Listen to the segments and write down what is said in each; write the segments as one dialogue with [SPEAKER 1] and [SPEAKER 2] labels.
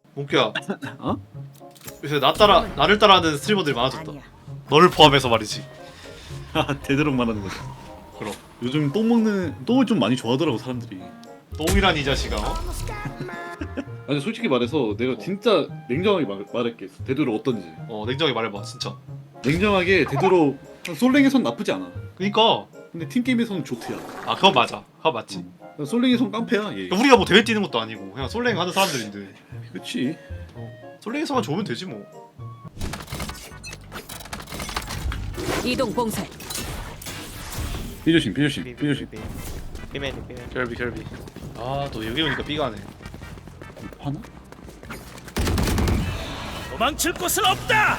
[SPEAKER 1] 몽키야,
[SPEAKER 2] 어?
[SPEAKER 1] 요새 나를 따라하는 스트리머들이 많아졌다. 너를 포함해서 말이지.
[SPEAKER 2] 되도록 말하는 거지.
[SPEAKER 1] 그럼
[SPEAKER 2] 요즘 똥을 좀 많이 좋아하더라고 사람들이.
[SPEAKER 1] 똥이란 이 자식아.
[SPEAKER 2] 아니 솔직히 말해서 내가 진짜 냉정하게 말할게. 되도록 어떤지.
[SPEAKER 1] 냉정하게 말해봐, 진짜.
[SPEAKER 2] 냉정하게 되도록 솔랭에선 나쁘지 않아.
[SPEAKER 1] 그니까.
[SPEAKER 2] 근데 팀게임에서는 좋대야.
[SPEAKER 1] 아, 그건 맞아. 그건 맞지.
[SPEAKER 2] 솔랭에선 깡패야 얘.
[SPEAKER 1] 우리가 뭐 대회 뛰는 것도 아니고 그냥 솔랭 하는 사람들인데.
[SPEAKER 2] 그렇지.
[SPEAKER 1] 솔랭에서만 좋으면 되지 뭐.
[SPEAKER 3] 이동 봉쇄.
[SPEAKER 2] 삐조심.
[SPEAKER 4] 비메니
[SPEAKER 1] 결비. 아, 또 여기 오니까 삐가네.
[SPEAKER 2] 하나?
[SPEAKER 4] 도망칠 곳은 없다.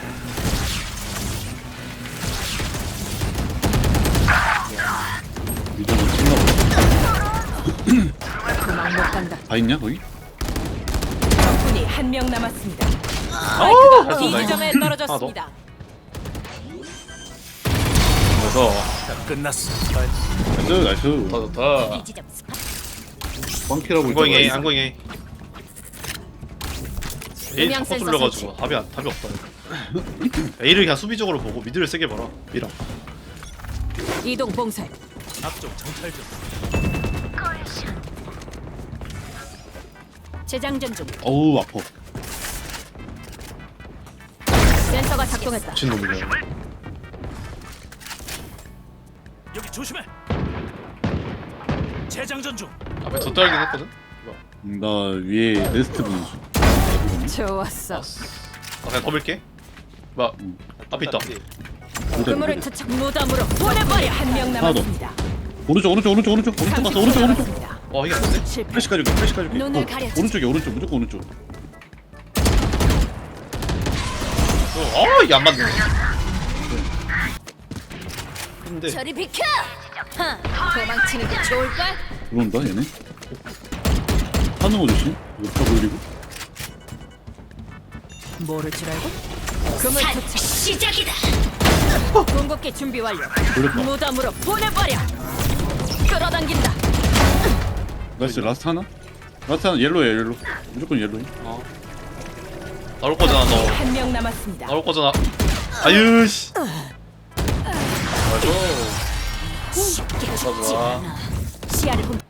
[SPEAKER 2] 미정은 끝나고.
[SPEAKER 3] 도망 못 간다.
[SPEAKER 2] 다 있냐 거기?
[SPEAKER 3] 적군이 한 명 남았습니다.
[SPEAKER 1] 아,
[SPEAKER 3] 스파이크가 B 지점에 떨어졌습니다.
[SPEAKER 1] 그래서
[SPEAKER 4] 끝났어.
[SPEAKER 2] 나이스.
[SPEAKER 1] 좋다.
[SPEAKER 3] B 지점 스파.
[SPEAKER 2] 꽝키라고
[SPEAKER 1] 안고잉 A,
[SPEAKER 2] 있잖아.
[SPEAKER 1] 안고잉 A. A
[SPEAKER 3] 음향
[SPEAKER 1] 자꾸
[SPEAKER 3] 센서
[SPEAKER 1] 뚫려가지고 답이 없다. A를 그냥 수비적으로 보고 미드를 세게 봐라. 미라.
[SPEAKER 3] 이동 봉쇄.
[SPEAKER 4] 앞쪽 정찰 중.
[SPEAKER 3] 재장전 중.
[SPEAKER 2] 어우 아파.
[SPEAKER 3] 센서가 작동했다.
[SPEAKER 1] 미친놈이야.
[SPEAKER 4] 여기 조심해. 재장전 중.
[SPEAKER 1] 앞에 더 떨긴 했거든?
[SPEAKER 2] 나 위에 네스트 보는 중.
[SPEAKER 3] 좋았어.
[SPEAKER 1] 그냥 더 밀게. 막 앞에 있다.
[SPEAKER 3] 그물을 투척 무덤으로 보내버려. 한 명
[SPEAKER 2] 하나 더.
[SPEAKER 3] 남았습니다.
[SPEAKER 2] 오른쪽 갔어. 오른쪽
[SPEAKER 3] 남았습니다.
[SPEAKER 1] 이게 안 돼?
[SPEAKER 3] 실패.
[SPEAKER 2] 플래시 가줄게.
[SPEAKER 3] 눈을 가려주지.
[SPEAKER 2] 오른쪽 무조건 오른쪽.
[SPEAKER 1] 이게 안 맞네. 근데
[SPEAKER 3] 저리 비켜. 도망치는 게 좋을걸?
[SPEAKER 2] 들어온다 얘네. 하는 거 조심. 이거 다 돌리고.
[SPEAKER 3] 모를 줄 알고? 그물 투척 시작이다. 궁극기 준비 완료.
[SPEAKER 2] 돌렸다.
[SPEAKER 3] 무덤으로 보내버려. 끌어당긴다.
[SPEAKER 2] 나이스 라스트 하나 옐로야 옐로. 무조건 옐로야.
[SPEAKER 1] 나올 거잖아 너.
[SPEAKER 3] 한 명 남았습니다.
[SPEAKER 1] 나올 거잖아. 아유 씨.
[SPEAKER 3] 쉽게 죽지
[SPEAKER 1] 좋아.
[SPEAKER 3] 않아. 시야를 공.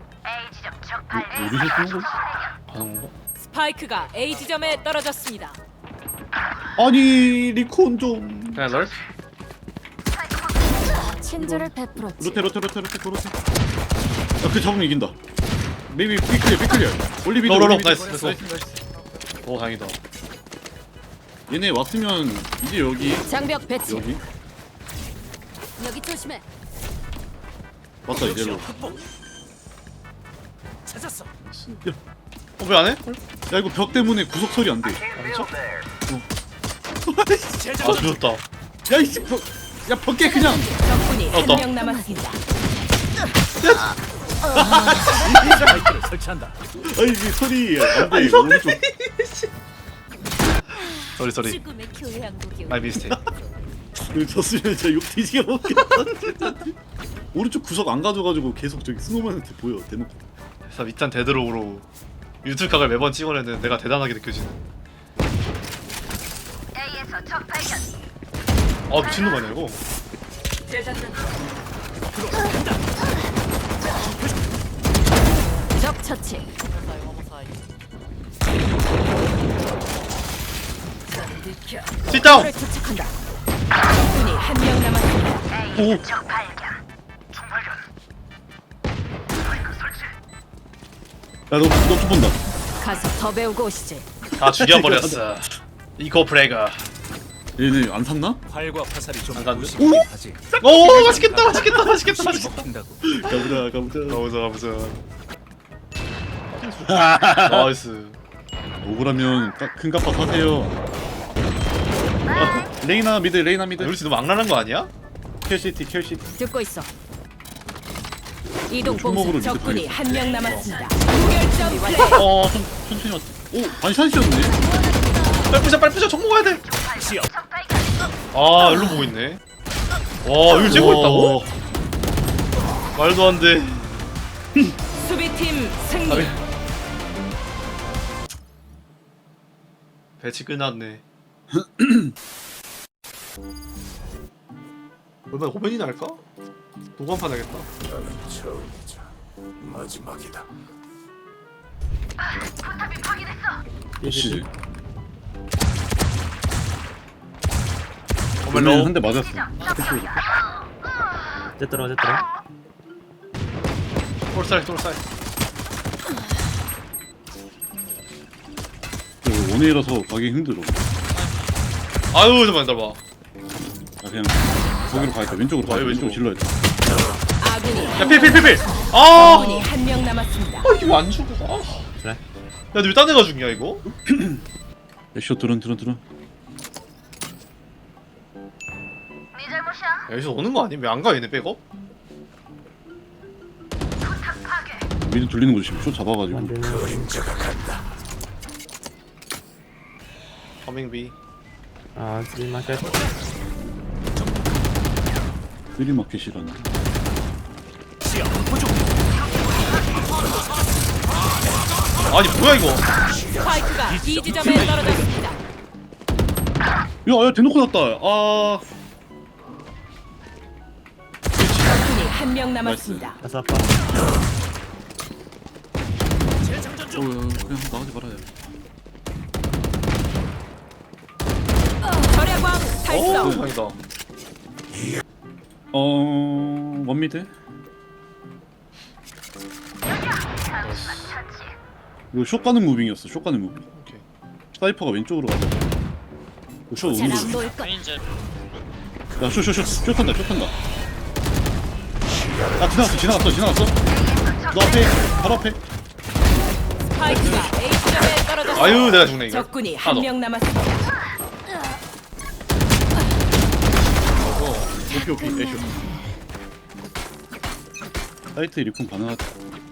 [SPEAKER 2] 어디서 쏘는 거지?
[SPEAKER 1] 하는 거?
[SPEAKER 3] 스파이크가 A 지점에 떨어졌습니다.
[SPEAKER 2] 아니 리콘 좀.
[SPEAKER 1] 그냥 널?
[SPEAKER 3] 친절을 베풀었지.
[SPEAKER 2] 로테. 그 잡으면 이긴다. 메이비 삐클리어. 올리비드.
[SPEAKER 1] 로로로.
[SPEAKER 2] 올리비드.
[SPEAKER 1] 나이스. 오 다행이다.
[SPEAKER 2] 얘네 왔으면 이제 여기.
[SPEAKER 3] 장벽 배치.
[SPEAKER 2] 여기.
[SPEAKER 3] 여기 조심해.
[SPEAKER 2] 맞다 이제 로.
[SPEAKER 4] 극복. 찾았어.
[SPEAKER 1] 왜 안 해?
[SPEAKER 2] 야 이거 벽 때문에 구석 소리 안 돼.
[SPEAKER 1] 진짜? 아
[SPEAKER 4] 재장전 중.
[SPEAKER 1] 죽였다.
[SPEAKER 2] 야 이씨 벽. 야 벽게 그냥.
[SPEAKER 3] 적군이 한
[SPEAKER 1] 떴다.
[SPEAKER 3] 명 남았습니다.
[SPEAKER 4] 스파이크를 설치한다.
[SPEAKER 2] 아니 이 소리 안 돼. 오른쪽.
[SPEAKER 1] 쏘리.
[SPEAKER 3] 죽음의 교회 양국이.
[SPEAKER 1] 마이 미스테이.
[SPEAKER 2] 이거 졌으면 진짜 욕 뒤지게 먹겠다. 오른쪽 구석 안 가져가지고 계속 저기 스노우맨한테 보여 대놓고.
[SPEAKER 1] 그래서 밑단 데드록으로 유튜브 각을 매번 찍어내는 내가 대단하게 느껴지는. 미친놈 아니야 이거?
[SPEAKER 3] 적 처치.
[SPEAKER 1] sit
[SPEAKER 3] 를 투척한다. 적군이 한 명 남았습니다.
[SPEAKER 1] 오.
[SPEAKER 2] 야너좀 본다.
[SPEAKER 3] 가서 더 배우고 오시지.
[SPEAKER 1] 다 죽여버렸어. 이거 브레가.
[SPEAKER 2] 얘네 안 샀나?
[SPEAKER 4] 활과 화살이 좀
[SPEAKER 1] 안 간대?
[SPEAKER 4] 보이긴 하지.
[SPEAKER 1] 오 맛있겠다.
[SPEAKER 4] 핀다고.
[SPEAKER 2] 가보자.
[SPEAKER 1] 나이스.
[SPEAKER 2] 억울하면 큰 값바 사세요. 레이나 미드.
[SPEAKER 1] 우리 너무 악랄한 거 아니야?
[SPEAKER 2] 켈시티.
[SPEAKER 3] 듣고 있어. 이동
[SPEAKER 2] 총목으로
[SPEAKER 3] 봉쇄.
[SPEAKER 2] 미드
[SPEAKER 3] 적군이 한 명 남았습니다.
[SPEAKER 1] 어.
[SPEAKER 3] 무결점 플레이.
[SPEAKER 2] 좀 천천히 왔다. 오 반샷이었네.
[SPEAKER 1] 빨리 부셔 총 먹어야 돼.
[SPEAKER 4] 시야.
[SPEAKER 1] 일로 보고 있네. 와 이걸 째고 있다고? 말도 안 돼.
[SPEAKER 3] 수비팀 승리.
[SPEAKER 1] 배치 끝났네. 얼마나 고민이나 할까? 도관판 하겠다.
[SPEAKER 4] 마지막이다.
[SPEAKER 2] 역시
[SPEAKER 1] 오멜로.
[SPEAKER 2] 한대 맞았어.
[SPEAKER 5] 어쨌더라 어쨌더라.
[SPEAKER 1] 똘살 똘살.
[SPEAKER 2] 원웨이라서 가기 힘들어.
[SPEAKER 1] 아유 잠깐만 기다려봐.
[SPEAKER 2] 아 그냥 거기로 가야겠다. 왼쪽으로 가야 돼. 왼쪽으로 질러야겠다.
[SPEAKER 3] 아군이
[SPEAKER 1] 야 필필필필. 아.
[SPEAKER 3] 아군이 한 명 남았습니다.
[SPEAKER 1] 이거 안 죽어. 아.
[SPEAKER 5] 그래?
[SPEAKER 1] 야, 너 왜 딴 애가 죽냐 이거?
[SPEAKER 2] 애쇼 드론.
[SPEAKER 1] 야, 여기서 오는 거 아니? 왜 안 가 얘네 백업?
[SPEAKER 2] 미리 돌리는 거지. 지금 쇼 잡아가지고.
[SPEAKER 5] 안 되는.
[SPEAKER 1] 커밍비.
[SPEAKER 5] 아 스리마켓.
[SPEAKER 2] 프리마켓이라는.
[SPEAKER 4] 시야 확보 중.
[SPEAKER 1] 아니 뭐야 이거?
[SPEAKER 3] 스파이크가 B 지점에 떨어졌습니다.
[SPEAKER 2] 야 대놓고 났다. 아
[SPEAKER 3] 적군이 한 명 남았습니다.
[SPEAKER 5] 가서 아빠.
[SPEAKER 4] 재장전 중.
[SPEAKER 2] 그냥 나가지 말아야 돼.
[SPEAKER 3] 절야광 달성.
[SPEAKER 1] 다행이다.
[SPEAKER 2] 원미드? 이거 쇼 가는 무빙이었어. 쇼 가는 무빙.
[SPEAKER 1] 오케이.
[SPEAKER 2] 사이퍼가 왼쪽으로 가자. 쇼 오는 거.
[SPEAKER 3] 보일 것.
[SPEAKER 2] 야, 쇼 탄다. 아, 지나갔어. 너 앞에, 바로 앞에.
[SPEAKER 3] 스파이크가 A 지점에 떨어졌습니다.
[SPEAKER 1] 아유 내가 죽네 이거.
[SPEAKER 3] 적군이
[SPEAKER 1] 하나
[SPEAKER 3] 한
[SPEAKER 1] 더.
[SPEAKER 3] 명 남았습니다.
[SPEAKER 2] 오케이, 애쇼. 사이트 리콘 가능하다.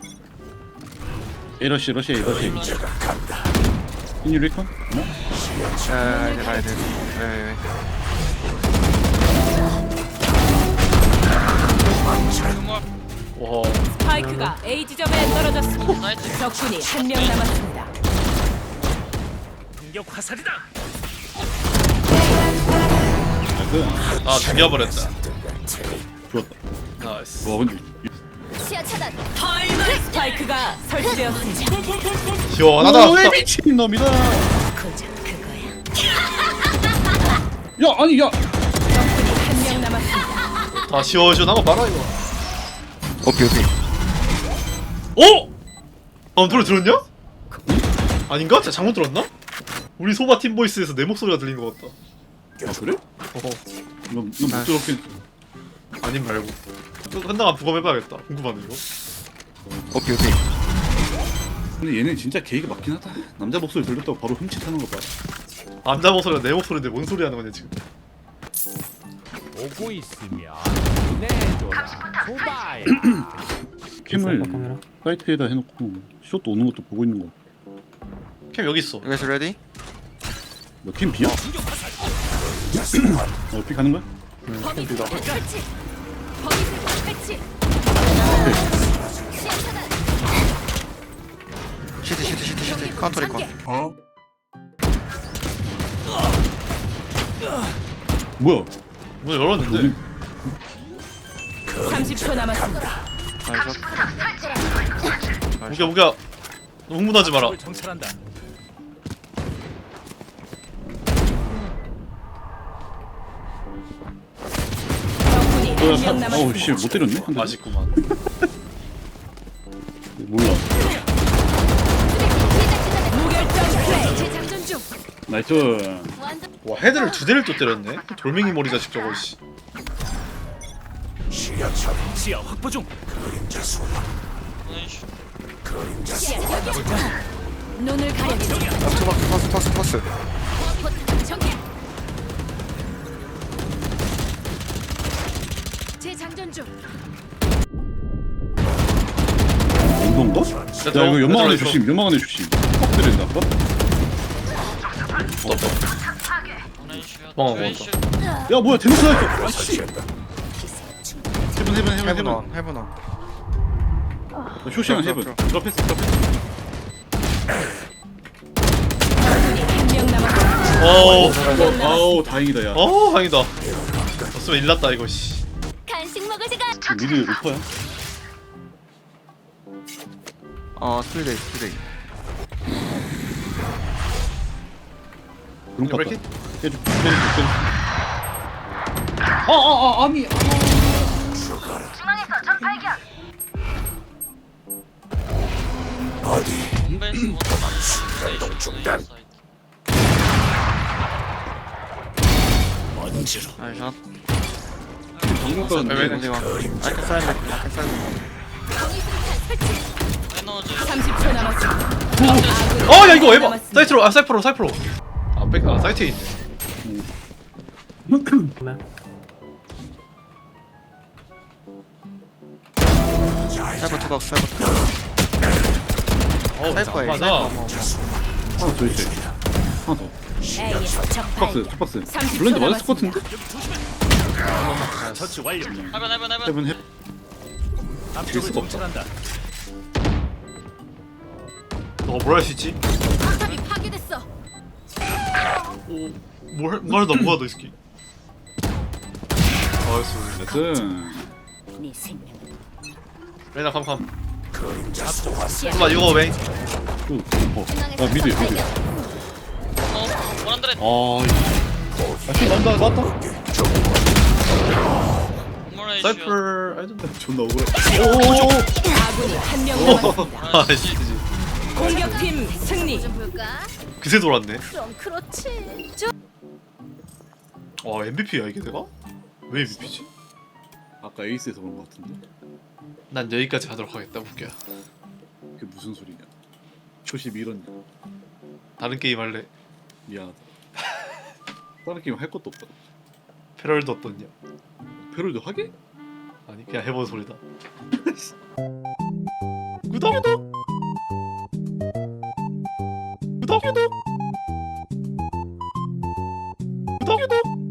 [SPEAKER 2] 러시. 인유 리콘? 뭐?
[SPEAKER 6] 이제 가야 돼. 네.
[SPEAKER 1] 와.
[SPEAKER 3] 스파이크가 A 지점에 떨어졌습니다. 적군이 한 명 남았습니다.
[SPEAKER 4] 공격 화살이다.
[SPEAKER 2] 나이스.
[SPEAKER 1] 아 죽여버렸다.
[SPEAKER 2] 좋았다.
[SPEAKER 1] 나이스.
[SPEAKER 2] 와, 근데.
[SPEAKER 3] 시야 차단. 스파이크가 설치되었습니다.
[SPEAKER 1] 시원하다.
[SPEAKER 2] 왜 미친 놈이다. 야, 아니, 야.
[SPEAKER 3] 적군이 한 명 남았습니다.
[SPEAKER 1] 다 시원시원한 거 봐라 이거.
[SPEAKER 6] 오케이.
[SPEAKER 1] 어? 아 노래 들었냐? 아닌가? 진짜 잘못 들었나? 우리 소바 팀 보이스에서 내 목소리가 들린 것 같다.
[SPEAKER 2] 아, 그래?
[SPEAKER 1] 어허.
[SPEAKER 2] 넌못 들었긴.
[SPEAKER 1] 아님 말고. 한다가 부검해봐야겠다. 궁금하네 이거.
[SPEAKER 6] 오케이.
[SPEAKER 2] 근데 얘는 진짜 계기가 맞긴 하다. 남자 목소리 들렸다고 바로 흠칫하는 거 봐.
[SPEAKER 1] 남자 목소리가 내 목소리인데 뭔 소리 하는 거냐 지금.
[SPEAKER 7] 오고 있으면 내줘라 소바야.
[SPEAKER 2] 캠을
[SPEAKER 5] 카메라.
[SPEAKER 2] 사이트에다 해놓고 숏도 오는 것도 보고 있는 거.
[SPEAKER 1] 캠 여기 있어.
[SPEAKER 6] You guys ready?
[SPEAKER 2] 너팀 비야? 피 가는 거야?
[SPEAKER 1] 캠비다.
[SPEAKER 6] 시트. 카운터 리콘.
[SPEAKER 2] 뭐야?
[SPEAKER 1] 문 열었는데.
[SPEAKER 3] 30초 남았습니다.
[SPEAKER 6] 나이스.
[SPEAKER 1] 무기야. 너 흥분하지 마라.
[SPEAKER 4] 적을 정찰한다.
[SPEAKER 3] 적군이 한 명
[SPEAKER 2] 어우
[SPEAKER 3] 남았습니다.
[SPEAKER 2] 씨 못 때렸네? 한 대.
[SPEAKER 1] 아쉽구만.
[SPEAKER 2] 몰라.
[SPEAKER 3] 무결점 플레이. 재장전 중.
[SPEAKER 2] 나이스.
[SPEAKER 1] 와 헤드를 두 대를 또 때렸네. 돌멩이 머리 자식 저거 씨.
[SPEAKER 4] 시야 확보 중.
[SPEAKER 3] 눈을 가려주자.
[SPEAKER 6] 터스.
[SPEAKER 3] 정해. 재장전 중.
[SPEAKER 2] 운동가? 야 이거 연막 안에
[SPEAKER 1] 들어있어.
[SPEAKER 2] 조심. 연막 안에 조심. 확 때린다. 아까?
[SPEAKER 1] 도망가 먹었다.
[SPEAKER 2] 야 뭐야 대놓고 나왔어. 아씨. 해븐.
[SPEAKER 6] 헤븐 원.
[SPEAKER 2] 쇼시랑 해븐. 드랍했어.
[SPEAKER 3] 적군이 한 명 남았습니다.
[SPEAKER 2] 아우 다행이다 야.
[SPEAKER 1] 다행이다. 없으면 일 났다 이거 씨.
[SPEAKER 3] 간식 먹을 시간.
[SPEAKER 2] 미드 루퍼야?
[SPEAKER 6] 스피드이 스피드이.
[SPEAKER 2] 그런 거
[SPEAKER 1] 이렇게?
[SPEAKER 2] 같다. 때려. 아니.
[SPEAKER 6] 나이샷.
[SPEAKER 2] 방금 건
[SPEAKER 1] 왜?
[SPEAKER 6] 어디가? 아이카 사이드. 아이카 사이드.
[SPEAKER 3] 30초 남았습니다.
[SPEAKER 1] 야 이거 에바. 사이트로 사이프로. 사이트에 있네.
[SPEAKER 5] 하나.
[SPEAKER 6] 사이버 투박 사이버 투박. 사이버에
[SPEAKER 1] 맞아.
[SPEAKER 2] 하나 더 있어. 하나 더.
[SPEAKER 3] A에서 적
[SPEAKER 2] 박스,
[SPEAKER 3] 발견.
[SPEAKER 2] 박스.
[SPEAKER 3] 30초
[SPEAKER 2] 블렌드 맞았을 것
[SPEAKER 3] 남았습니다.
[SPEAKER 2] 같은데?
[SPEAKER 4] 처치 완료.
[SPEAKER 2] 해븐 해.
[SPEAKER 4] 앞쪽을
[SPEAKER 2] 수가 없다.
[SPEAKER 4] 정찰한다.
[SPEAKER 1] 너가 뭘 할 수 있지?
[SPEAKER 3] 포탑이 파괴됐어.
[SPEAKER 1] 말도 안 받아 이 새끼. 알았어.
[SPEAKER 2] 나이스.
[SPEAKER 3] 네 생명은
[SPEAKER 1] 레나 캄캄. 잠깐만 이거 왜?
[SPEAKER 2] 아 미드 미드. 아, 나왔다.
[SPEAKER 1] 사이플 아이던데.
[SPEAKER 2] 존나 억울해.
[SPEAKER 3] 아군이 한 명 남았습니다.
[SPEAKER 1] 아씨.
[SPEAKER 3] 공격팀 승리.
[SPEAKER 1] 그새 돌았네.
[SPEAKER 3] 그럼 그렇지.
[SPEAKER 1] MVP야 이게 내가? 왜 MVP지?
[SPEAKER 2] 아까 에이스에서 그런 거 같은데.
[SPEAKER 1] 난 여기까지 하도록 하겠다 웃겨.
[SPEAKER 2] 그게 무슨 소리냐? 초심 이런.
[SPEAKER 1] 다른 게임 할래.
[SPEAKER 2] 미안하다. 다른 게임 할 것도 없다.
[SPEAKER 1] 패럴도 어떻냐?
[SPEAKER 2] 페롤도 하게?
[SPEAKER 1] 아니 그냥 해본 소리다. 구독. 구독.